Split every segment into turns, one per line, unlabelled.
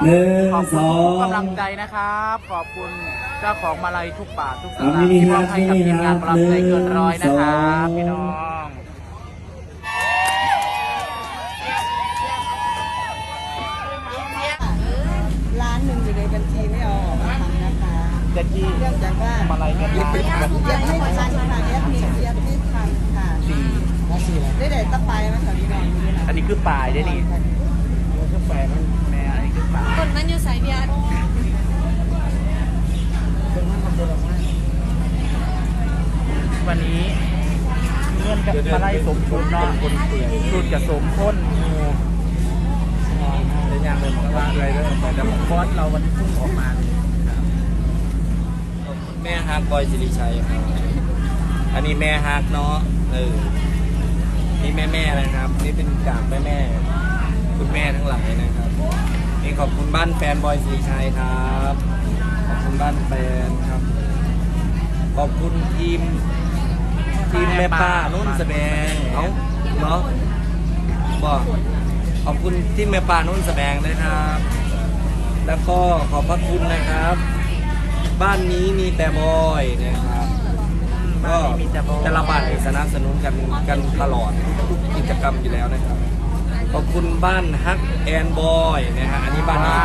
ขอบคุณ
1
ทุกกำลัง
2
ใจนะครับ ขอบคุณเจ้าของมาลัยทุกบาททุกสตางค์ที่มอบให้กับทีมงานกำลังใจเกินร้อยนะครับพี่น้อง
ล้านหนึ่งอยู่ในบัญชีไม่เอาออกมาทำนะคะ
เด็กที่
เนื่องจากว่า
มาลัยกัน
ยังไม่ทันค่ะแอดมินเสียไม่ทันค่ะได้แต่ตะไปมาแถวนี้หน่อยนี่นะ
อันนี้คือป่ายได้นี่คือป่ายมันแม่อันนี้คือป่าย
คนมันอยู่สายเบียร์
วันนี้เงื่อนกับมาไล่สมชุดเนาะชุดกับสมพ้นเป็นอย่างเลยบอกว่าอะไรเรื่องแต่ผมคอสเราวันนี้พุ่งออกมา
แม่ฮักบอยสิริชัยครับอันนี้แม่ฮักเนาะนี่แม่นะครับนี่เป็นจากแม่คุณแม่ทั้งหลายนะครับนี่ขอบคุณบ้านแฟนบอยสิริชัยครับขอบคุณบ้านแฟนครับขอบคุณทีมแม่ป้านุ่นแสดงเอาเนาะบอกขอบคุณทีมแม่ป้านุ่นแสดงด้วยครับ แล้วก็ขอบพระคุณนะครับ บ้านนี้มีแต่บอยนะครับก็แต่ละบ้านสนับสนุนกันตลอดทุกกิจกรรมอยู่แล้วนะครับขอบคุณบ้านฮักแอนบอยนะฮะอันนี้บ้านนี้
ว้าว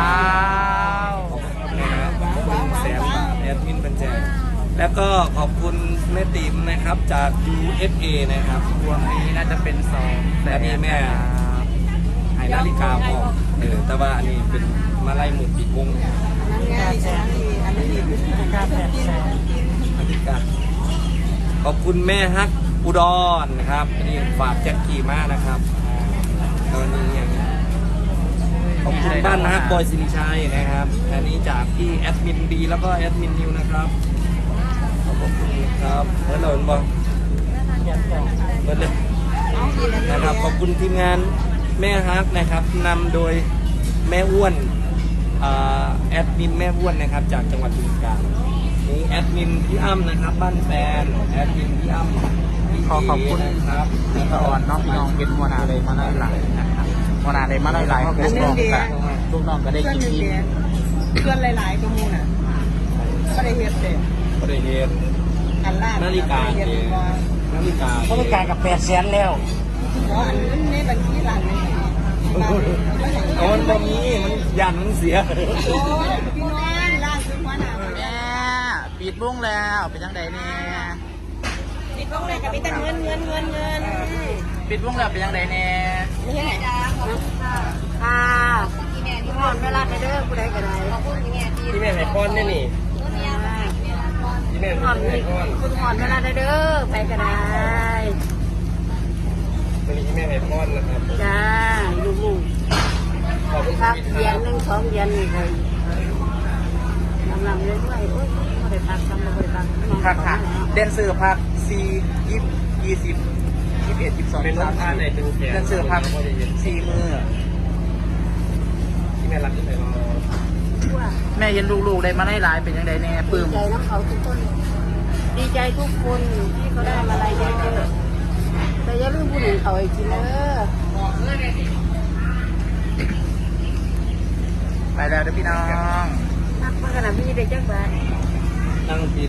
ขอบคุณนะครับขอบคุณแสนบาทแอดมินบัญแจกแล้วก็ขอบคุณแม่ติ๋มนะครับจาก USA นะครับ
รวมนี้น่าจะเป็น2
แต่นี่แม่ให้นาฬิกาพอแต่ว่าอันนี้เป็นมาไล่หมุดปีกวง
นั่นไงอันนี้การแผน
นาฬิกาขอบคุณแม่ฮักอุดรนะครับอันนี้ฝากแจ็คกี้มากนะครับตอนนี้อย่างนี้ขอบคุณบ้านฮักบอยสิริชัยนะครับอันนี้จากพี่แอดมินบีแล้วก็แอดมินนิวนะครับขอบคุณครับเมื่อเราบอกเมื่อเลยนะครับขอบคุณทีมงานแม่ฮักนะครับนำโดยแม่อ้วนแอดมินแม่อ้วนนะครับจากจังหวัดบึงกาฬนี่แอดมินพี่อ้ำนะครับบ้านแฟนแอดมินพี่อ้ำ
ขอบคุณ
นะครับ
พี่ตะออนน้องพี่น้องเป็นมัวนาเลยมาไล่หลายนะครับมัวนาเลยมาไล่หลายลูกน้องก็ได้
เพื่อน
กิน
หนึ่ง
อิ่ม
เดียเพื่อนหลายๆก็มูน่ะก็ได้เฮ็ดเด็ด
บริเวณ
อันล่า
นาฬิกา
เฮ็ด
เอง
ว่า
นาฬิกา
เขาต้องการกับ800,000แล้ว
อันนั้นในบัญชีหลังนี่
โอนตรงนี้มันยันมันเสีย
โอ้ยพี่น้องล่าสุดหัวหน้า
แม่ปิดบุ้งแล้วเป็นจังไดเนี่ย
ติดต้องเลยกับพี่แต่เงิน
ปิดบุ้งแล้วเป็นจังไดเนี่ย
นี่ไง
ค่ะที่หอนเวลาไปเด้อผู้ใดก็ได้ขอบคุณที่แม่ที่
ที่แม่ไห่ก้อนนี่นี่ที่แม่
หอน
ไห่ก้อน
คุณหอนเวลาได้เด้อไปก็ได้
ตัวนี้ที่แม่ไห่ก้อนนะครับ
จ้าลูก
ขอบคุณ
ๆพัก
พี่
เดือนหนึ่ง2 เดือนนี่เลยลำเรื่อยๆโอ้ยไม่ได้พักทำไม่ได้พัก
พักค่ะเดนเซอร์พัก4 20 21 22
เป็นรถทานในตึงแขน
เดนเซอร์พัก4 มือ
ที่แม่รักที่ไหนรอ
แม่เห็นลูกๆได้มาไล่หลายเป็นจังไดเนี่ยป
ดี
ลื้ม
ใจน้ำเขาทุกคน ดีใจทุกคนที่เขาได้มาอะไรเยอะๆแต่อย่าลืมผู้หนึ่งเขาอีกทีเด้อ
ไปแล้วเด้อพี่น้อง
นักมาขนาดพี่ได้จักบาท
นั่งที